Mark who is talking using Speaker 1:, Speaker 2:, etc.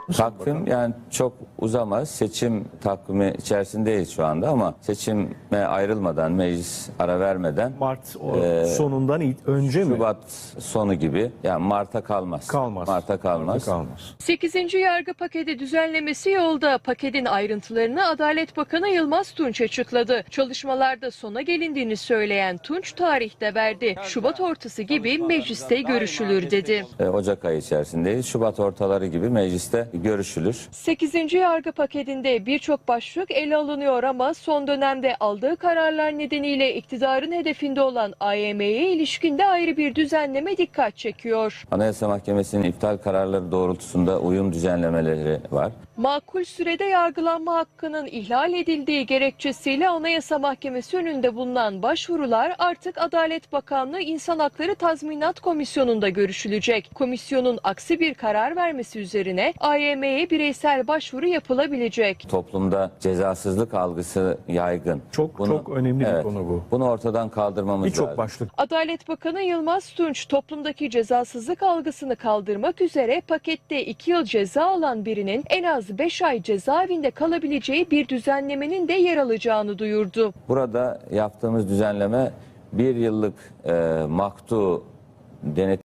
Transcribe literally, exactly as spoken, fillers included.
Speaker 1: Takvim yani çok uzamaz. Seçim takvimi içerisindeyiz şu anda ama seçime ayrılmadan, meclis ara vermeden
Speaker 2: Mart o,
Speaker 1: Ee,
Speaker 2: sonundan it- önce mi?
Speaker 1: Şubat sonu gibi, yani Mart'a kalmaz.
Speaker 2: Kalmaz.
Speaker 1: Mart'a kalmaz.
Speaker 2: Mart'a kalmaz.
Speaker 3: sekizinci yargı paketi düzenlemesi yolda. Paketin ayrıntılarını Adalet Bakanı Yılmaz Tunç açıkladı. Çalışmalarda sona gelindiğini söyleyen Tunç tarih de verdi. Şubat ortası gibi mecliste görüşülür dedi.
Speaker 1: Ee, Ocak ayı içerisindeyiz. Şubat ortaları gibi mecliste görüşülür.
Speaker 3: sekizinci yargı paketinde birçok başlık ele alınıyor ama son dönemde aldığı kararlar nedeniyle iktidarın hedefinde olan A Y M'ye ilişkin de ayrı bir düzenleme dikkat çekiyor.
Speaker 1: Anayasa Mahkemesi'nin iptal kararları doğrultusunda uyum düzenlemeleri var.
Speaker 3: Makul sürede yargılanma hakkının ihlal edildiği gerekçesiyle Anayasa Mahkemesi önünde bulunan başvurular artık Adalet Bakanlığı İnsan Hakları Tazminat Komisyonu'nda görüşülecek. Komisyonun aksi bir karar vermesi üzerine A Y M'ye bireysel başvuru yapılabilecek.
Speaker 1: Toplumda cezasızlık algısı yaygın.
Speaker 2: Çok çok önemli bir konu bu.
Speaker 1: Bunu ortadan kaldırmamız lazım.
Speaker 2: Birçok başlık.
Speaker 3: Adalet Bakanı Yılmaz Tunç toplumdaki cezasızlık algısını kaldırmak üzere pakette iki yıl ceza alan birinin en az beş ay cezaevinde kalabileceği bir düzenlemenin de yer alacağını duyurdu.
Speaker 1: Burada yaptığımız düzenleme bir yıllık e, maktu denetim